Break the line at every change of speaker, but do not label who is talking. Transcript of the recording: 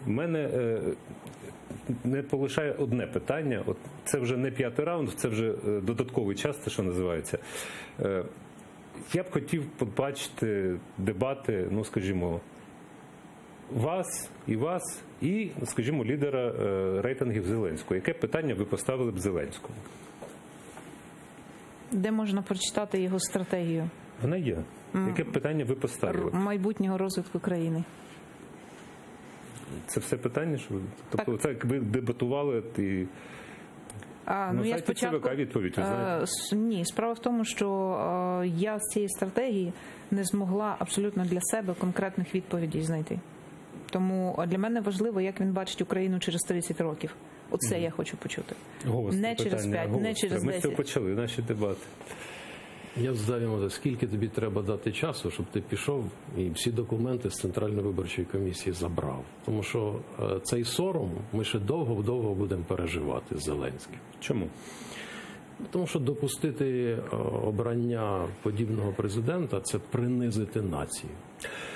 У мене не полишає одне питання. От це вже не 5-й раунд, це вже додатковий час, це що називається. Я б хотів побачити дебати, ну, скажімо, вас, і, скажімо, лідера рейтингів Зеленського. Яке питання ви поставили б Зеленському?
Де можна прочитати його стратегію?
Вона є. Яке б питання ви поставили?
Майбутнього розвитку країни.
Це все питання? Що ви... Тобто це як ви дебатували і...
Я спочатку...
відповідь, ви знаєте?
Ні, справа в тому, що я з цієї стратегії не змогла абсолютно для себе конкретних відповідей знайти. Тому для мене важливо, як він бачить Україну через 30 років. Оце я хочу почути. Не через 5, не через 10.
Ми все почали, наші дебати.
Я задав йому, скільки тобі треба дати часу, щоб ти пішов і всі документи з Центральної виборчої комісії забрав. Тому що цей сором ми ще довго будемо переживати з Зеленським.
Чому?
Тому що допустити обрання подібного президента – це принизити націю.